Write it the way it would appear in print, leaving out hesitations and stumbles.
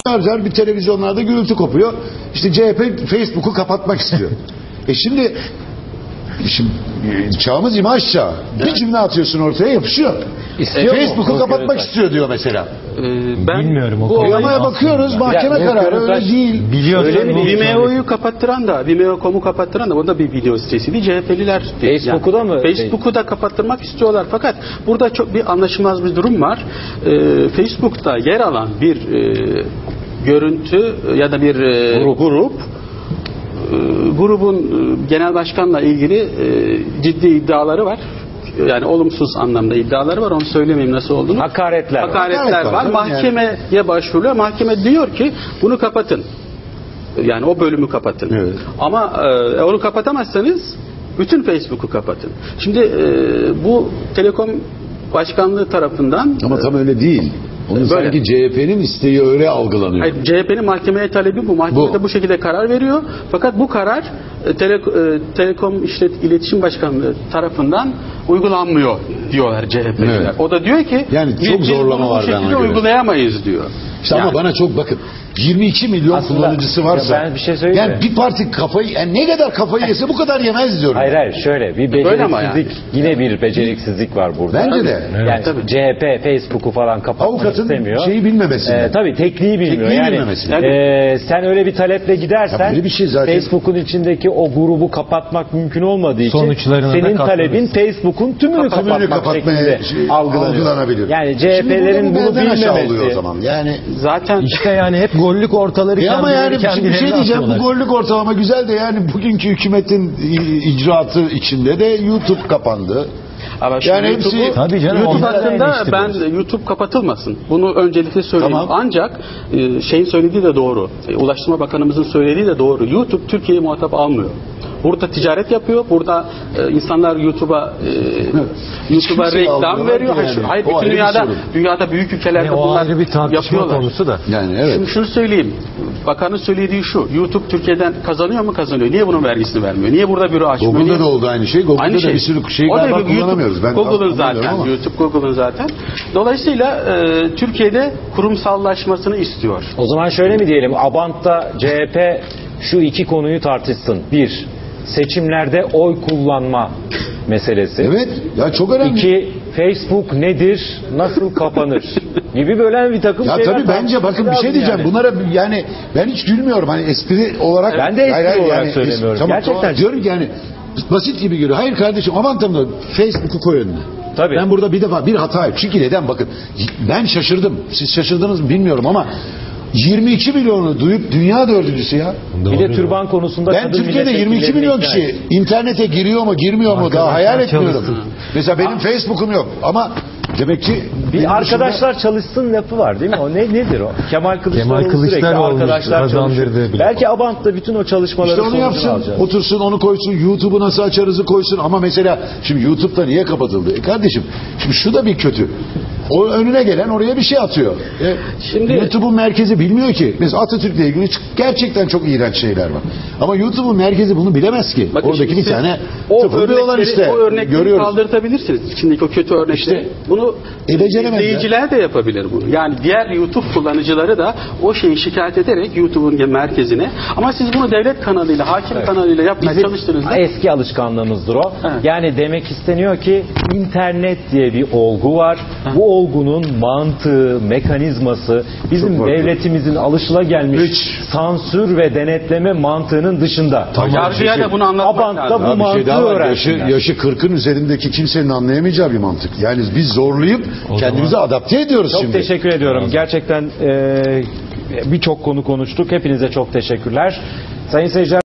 bir televizyonlarda gürültü kopuyor. İşte CHP Facebook'u kapatmak istiyor. Şimdi çağımız imaj çağı. Bir cümle atıyorsun ortaya yapışıyor. Facebook'u kapatmak istiyor diyor mesela. Ben bilmiyorum. Bu Uygulamaya bakıyoruz, mahkeme kararı öyle değil. Vimeo'yu kapattıran da, Vimeo.com'u kapattıran da o da bir video sitesiydi. CHP'liler Facebook'u da mı? Facebook'u da kapattırmak istiyorlar. Fakat burada çok bir anlaşılmaz bir durum var. Facebook'ta yer alan bir görüntü ya da bir grubun genel başkanla ilgili ciddi iddiaları var. Yani olumsuz anlamda iddiaları var. Onu söylemeyeyim nasıl olduğunu. Hakaretler var. Mahkemeye başvuruyor. Mahkeme diyor ki bunu kapatın. Yani o bölümü kapatın. Evet. Ama onu kapatamazsanız bütün Facebook'u kapatın. Şimdi bu Telekom Başkanlığı tarafından... Ama tam öyle değil. Onu sanki CHP'nin isteği öyle algılanıyor. Hayır, CHP'nin mahkemeye talebi bu. Mahkeme de bu şekilde karar veriyor. Fakat bu karar Telekom İletişim Başkanlığı tarafından uygulanmıyor diyorlar CHP'liler. Evet. O da diyor ki yani çok zorlama var bu şekilde uygulayamayız diyor. İşte yani, ama bana çok bakın 22 milyon aslında, kullanıcısı varsa ben bir şey söyleyeyim yani bir parti kafayı ne kadar kafayı yese bu kadar yemez diyorum. Hayır şöyle bir beceriksizlik yine bir beceriksizlik var burada. Bence de. Yani CHP Facebook'u falan kapatmak avukatın istemiyor. Şeyi bilmemesi. Tabii tekniği bilmiyor. Sen öyle bir taleple gidersen bir şey zaten... Facebook'un içindeki o grubu kapatmak mümkün olmadığı için senin talebin Facebook'un tümünü kapatmak şeklinde algılanabilir. Yani CHP'lerin bunu bilmemesi. O zaman. Yani zaten işte yani hep gollük ortaları ama yani bir şey diyeceğim, bu gollük ortalama güzel de yani bugünkü hükümetin icraatı içinde de YouTube kapandı. Ama yani hepsi YouTube hakkında ben YouTube kapatılmasın. Bunu öncelikle söyleyeyim. Tamam. Ancak şeyin söylediği de doğru. Ulaştırma Bakanımızın söylediği de doğru. YouTube Türkiye'yi muhatap almıyor. Burada ticaret yapıyor. Burada insanlar YouTube'a reklam veriyor. Yani. Hayır, bütün dünyada büyük ülkelerde bunlar bir tartışma yapıyorlar. Konusu da. Yani evet. Şimdi şunu söyleyeyim. Bakanın söylediği şu. YouTube Türkiye'den kazanıyor mu? Kazanıyor. Niye bunun vergisini vermiyor? Niye burada büro açmıyor? Google'da da oldu aynı şey. Google'da da bir sürü şey galiba kullanamıyoruz. Google'ın zaten. YouTube Google'ın zaten. Dolayısıyla Türkiye'de kurumsallaşmasını istiyor. O zaman şöyle mi diyelim? Abant'ta CHP şu iki konuyu tartışsın. Bir, seçimlerde oy kullanma meselesi. Evet. Ya çok önemli. İki, Facebook nedir, nasıl kapanır gibi böyle bir takım ya şeyler. Tabii bence bakın bir şey diyeceğim. Yani. Bunlara yani ben hiç gülmüyorum. Hani espri olarak. Ben de espri olarak söylemiyorum. Tamam, gerçekten. Diyorum ki yani basit gibi geliyor. Hayır kardeşim aman tanrım Facebook'u koy önüne. Tabii. Ben burada bir defa bir hata yaptım. Çünkü neden bakın ben şaşırdım. Siz şaşırdınız mı bilmiyorum ama 22 milyonu duyup dünya dördüncüsü ya. Bir de türban konusunda ben Türkiye'de 22 milyon kişi internete giriyor mu girmiyor mu daha hayal etmiyorum. Mesela benim Facebook'um yok ama demek ki bir arkadaşlar çalışsın lafı var değil mi? O nedir o? Kemal Kılıçdaroğlu sürekli arkadaşlar çalışır. Belki Abant'ta bütün o çalışmaları işte onu yapsın, alacağız. Otursun onu koysun, YouTube'u nasıl açarızı koysun ama mesela şimdi YouTube'da niye kapatıldı? Kardeşim şimdi şu da bir kötü. O önüne gelen oraya bir şey atıyor. Şimdi YouTube'un merkezi bilmiyor ki. Mesela Atatürk'le ilgili gerçekten çok iğrenç şeyler var. Ama YouTube'un merkezi bunu bilemez ki. Bakın oradaki bir tane tıfırlı olan işte. O örnekleri görüyoruz. Kaldırtabilirsiniz. İçindeki o kötü örnekleri. İşte, bunu izleyiciler de yapabilir bunu. Yani diğer YouTube kullanıcıları da o şeyi şikayet ederek YouTube'un merkezine. Ama siz bunu devlet kanalıyla, hakim kanalıyla yapmaya çalıştığınızda eski alışkanlığımızdır o. Evet. Yani demek isteniyor ki internet diye bir olgu var. Bu olgunun mantığı, mekanizması bizim devletimizin alışılagelmiş sansür ve denetleme mantığının dışında. Yargıya da bunu anlatmak lazım. Abant'ta bu mantığı öğrensinler. Yaşı 40'ın üzerindeki kimsenin anlayamayacağı bir mantık. Yani biz zorlayıp kendimizi adapte ediyoruz çok şimdi. Çok teşekkür ediyorum. Gerçekten birçok konu konuştuk. Hepinize çok teşekkürler. Sayın seyirciler